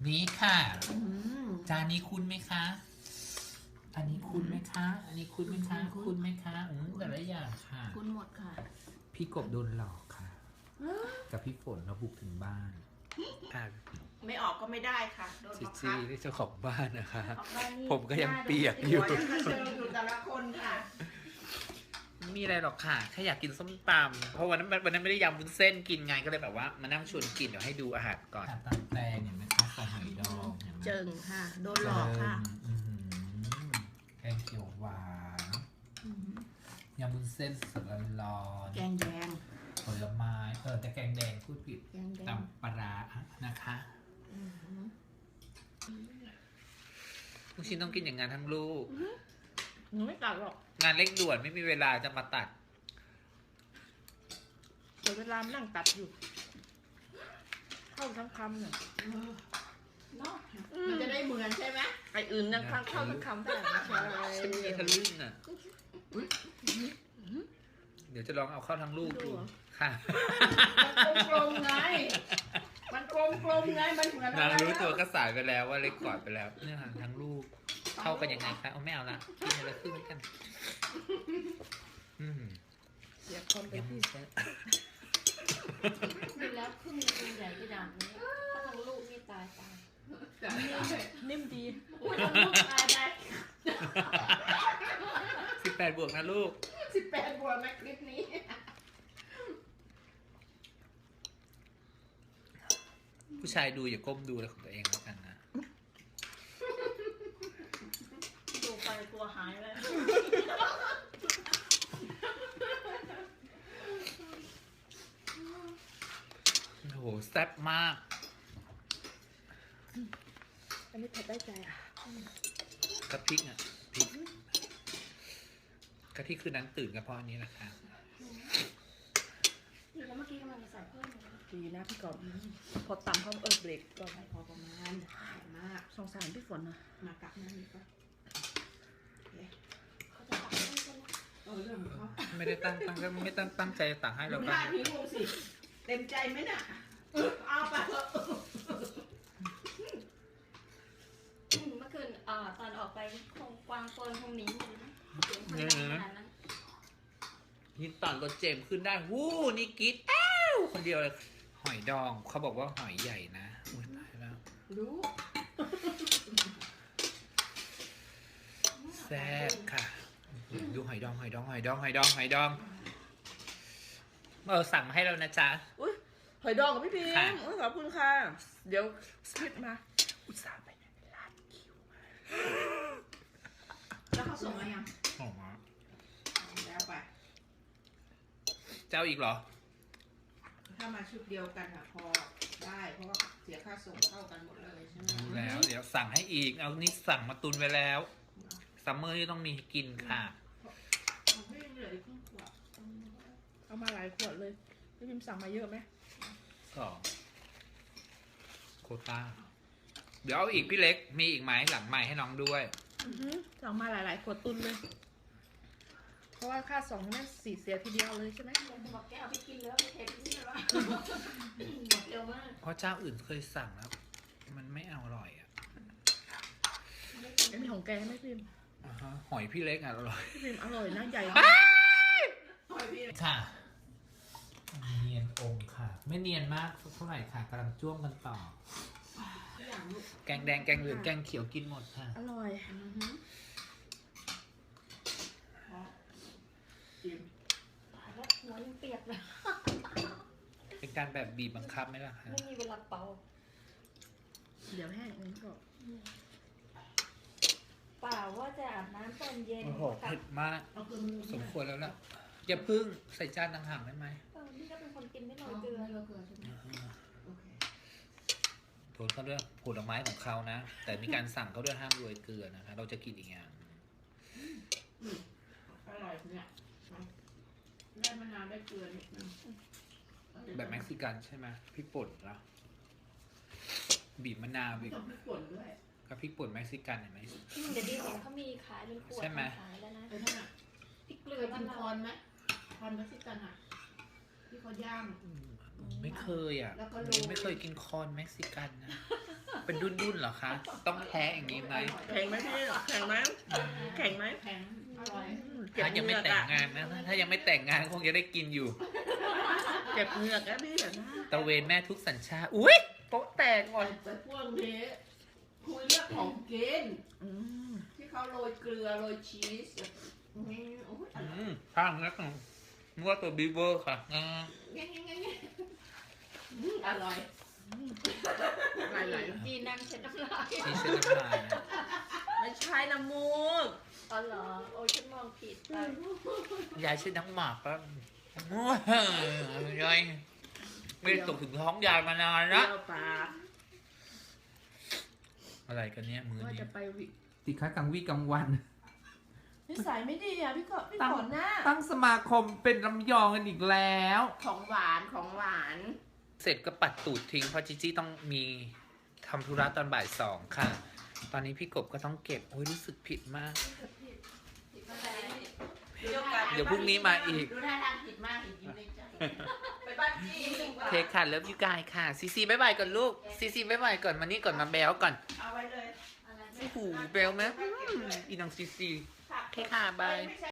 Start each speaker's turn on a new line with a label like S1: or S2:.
S1: นี้ค่ะจานนี้คุ้นไหมคะอันนี้คุ้นไหมคะอันนี้คุ้นไหมคะคุ้นไหมคะแต่ละอย่างค่ะ
S2: คุ้นหมดค่ะ
S1: พี่กบโดนหลอกค่ะกับพี่ฝนเราบุกถึงบ้าน
S2: ไม่ออกก็ไม่ได้ค่ะโดนบังคับ
S1: นี่เจ้าของบ้านนะคะ
S2: ผ
S1: มก็ยังเปียกอยู่
S2: ยังเจออยู่แต่ละคนค่ะ
S1: ไม่มีอะไรหรอกค่ะแค่อยากกินส้มตำเพราะวันนั้นไม่ได้ยำวุ้นเส้นกินไงก็เลยแบบว่ามานั่งชวนกินเดี๋ยวให้ดูอาหารก่อนตำแตงเห็นไหมคะใส่หอยดอง
S2: เจิงค่ะโดนหลอกค่ะ
S1: แกงเขียวหวานยำวุ้นเส้นสดร้อน
S2: แกงแดง
S1: ผลไม้แต่แกงแดงพูดผิดตำปลานะคะลูกชิ้นต้องกินอย่างงานทั้งลูก
S2: หนูไม่ตัดหรอก
S1: งานเร่งด่วนไม่มีเวลาจะมาตัด
S2: เดี๋ยวเวลานั่งตัดอยู่เข้าทั้งคำเนี่ยเนาะมันจะได้เหมือนใช่ไหมไออื่นนั่งเข้าทั้งคำได้ใช่
S1: ฉันมีทะลึ่งอ่ะเดี๋ยวจะลองเอาเข้าทั้งลูกดูค่ะ
S2: มันกลมไงมันกลมไงมันเหมือนอะไร
S1: นางรู้ตัวก็สายไปแล้วว่าเล็กกอดไปแล้วเนี่ยทั้งลูกเข้ากันยังไงคะเอาไม่เอาละกินอะไรขึ้นกัน
S2: เสียคนไปที่
S3: ดูแล้วครึ่งตัวใหญ่กระดาษนี้ถ้าทั้งลูกนี่ตาย
S2: นิ่มดี
S3: ทั้งลูกตายได้
S1: 18 บวกนะลูก
S2: 18 บวกนะคลิปนี้
S1: ผู้ชายดูอย่าก้มดูอะไรของตัวเองแล้วกันนะ
S3: ดูไปตัวหายเลย
S1: โอ้โหแซ่บมาก
S2: อันนี้เผ็ดได้ใจอ่ะ
S1: กะพริกอ่ะพริกกะทิคือนั้นตื่นกันเพราะอันนี้แหละค่ะ
S3: แล้วเมื่อกี้กำลังจะใส่เพิ่ม
S2: ดีนะพี่กอบพอตำเขาเบรกก่อนพอประมาณมากสงสารพี่ฝนนะมากักนั่นนี่ก็
S3: เขาจะตักให้ใช่ไหม
S2: เรื่องของเขา
S1: ไม่ได้ตั้งใจตักให้เรา
S2: บ้านนี้งูสิเต็มใจไหมน่ะเอาไปเถอะ
S3: เมื่อคืนตอนออกไปคงกวางโกนคงหนีอยู่นะ
S1: ยินตอนรถเจมขึ้นได้วู้นี่กิ๊ดคนเดียวเลยหอยดองเขาบอกว่าหอยใหญ่นะอุ้ยตายแล้ว
S2: รู้
S1: แซ่บค่ะดูหอยดองสั่งมาให้เรานะจ๊ะ
S2: อุ้ยหอยดองกับพี่พิมขอบคุณค่ะเดี๋ยวสลิปมา
S1: อุตส่าห์ไปร้านคิวมา
S2: แล้วเขาส่งมายัง
S1: ส่งมา
S2: แล้วไป
S1: เจ้าอีกเหรอ
S2: ถ้ามาชุดเดียวกันอะพอได้เพราะว่าเสียค่าส่งเท่ากันหมดเลยใช่ไหม
S1: แล้วเดี๋ยวสั่งให้อีกเอานี่สั่งมาตุนไว้แล้วซัมเมอร์ที่ต้องมีกินค่ะ
S2: ไม่เหลืออีกครึ่งขวดเอามาหลายขวดเลยพี่พิมสั่งมาเยอะไหม
S1: 2โควต้าเดี๋ยวเอาอีกพี่เล็กมีอีกไหมหลังใหม่ให้น้องด้วย
S2: สั่งมาหลายๆขวดตุนเลยเพราะว่าค่าส่งนั่น4เสียทีเดียวเลยใช่ไหม
S3: บอกแกเอาไปกินแล้วไปเทปนี่หรอหมดเร็วมาก
S1: เพราะเจ้าอื่นเคยสั่งแล้วมันไม่อร่อยอ่ะ
S2: มีของแกไหมพิม
S1: หอยพี่เล็กอ่ะอร่อย
S2: พี่พิมอร่อยนะใหญ่หอยพี่
S1: ค่ะเนียนองค์ค่ะไม่เนียนมากเท่าไหร่ค่ะกำลังจ้วงกันต่อแกงแดงแกงเหลืองแกงเขียวกินหมดค่ะ
S2: อร่อย
S3: แล้วหัวยังเปียกเลย
S1: เป็นการแบบบีบบังคับไหมล่ะคะ
S3: ไม่มีเวลาเป่า
S2: เดี๋ยวแห้งงั้นก็
S3: เปล่าว่าจะอาบน้ำตอนเย็น
S1: โอ้โหเผ็ดมากสมควรแล้วล่ะอย่าพึ่งใส่จานต่างๆได้ไหม
S3: นี่ก็เป็นคนกินไม่โรยเกลือใช่ไหม
S1: โทษเขาด้วยผลไม้ของเขานะแต่มีการสั่งเขาด้วยห้ามโรยเกลือนะคะเราจะกินอีกอย่าง
S2: อร่อยเนี่ยได้มะนาวได้เกลือนิดนึง
S1: แบบเม็กซิกันใช่ไหมพริกป่นแล้วบีบมะนาวบีบ
S2: พริกป่นด้วย
S1: กับพริกป่นเม็กซิกันเห็นไหม
S3: เดี๋ยวดีเห็นเขามีขายเป็นขวดขายแล้วนะพริกเกลือ
S2: กินคอนไหมคอนเม็กซิกันอ่ะที่เขาย่าง
S1: ไม่เคยอ่ะไม่เคยกินคอนเม็กซิกันนะเป็นดุนๆเหรอคะ ต้องแพ้อย่างนี้ไหม
S2: แข็งไหมพี่แข็งไหมแข็งไหม
S3: แข็งอร่อย
S2: เจ็บ
S1: ถ้ายัง
S2: เหงื
S1: ไม่
S2: อก
S1: แต่ง
S2: อะ
S1: งานนะ ถ้ายังไม่แต่งงานคงจะได้กินอยู่
S2: เจ็บเหงือกอะพี่
S1: ตะเวนแม่ทุกสัญชาติ อุ้ยโต๊ะแตกก่อน
S4: แต่พวกนี้คุยเรื่องของกิน
S2: อืม
S4: ที่เขาโรยเกลือโรยชีสโอ้ยอร่อย
S1: ข้างนักนึกว่าตัวบีเวอร์ค่ะ
S4: อร่อย
S2: ไหล
S3: จีนนั่งเช็ดน้ำลาย
S1: ที่เส้นน้ำลายนะ
S2: ๆไม่ใช่น้ำมูก
S3: อ๋อเหรอโอ้ยฉันมองผิดไป
S1: ยายชื่อน้ำหมากครับโอ้ยยายไม่ได้ตกถึงท้องยายมานาน
S2: เปรี้
S1: ละ
S2: ยวปาก
S1: อะไรกันเนี่ยมือ
S2: ว่า
S1: นี้
S2: จะไปวิ
S1: ติค้ากลางวี่กลางวัน
S4: นิสัยไม่ดีอ่ะพี่ก็พี่ฝนนะ
S1: ตั้งสมาคมเป็นลำยองกันอีกแล้ว
S4: ของหวานของหวาน
S1: เสร็จก็ปัดตูดทิ้งเพราะจิจี้ต้องมีทำธุระตอนบ่าย2ค่ะ ตอนนี้พี่กบก็ต้องเก็บโอ้ยรู้สึกผิดมาก เดี๋ยวพรุ่งนี้มาอีก
S4: ดูท่าทางผิดมากอีกยิ้มในใจไปบ้านจี้ดีกว่า
S1: เทคค่ะเลิฟยูกายค่ะซีซีบ๊ายบายก่อนลูกซีซีบ๊ายบายก่อนมานี่ก่อนมาแบลก่อน
S4: เอาไว้เลย
S3: อะไร
S1: โอ้โหแบลไหมอีน้องซีซีโอเคค่ะบาย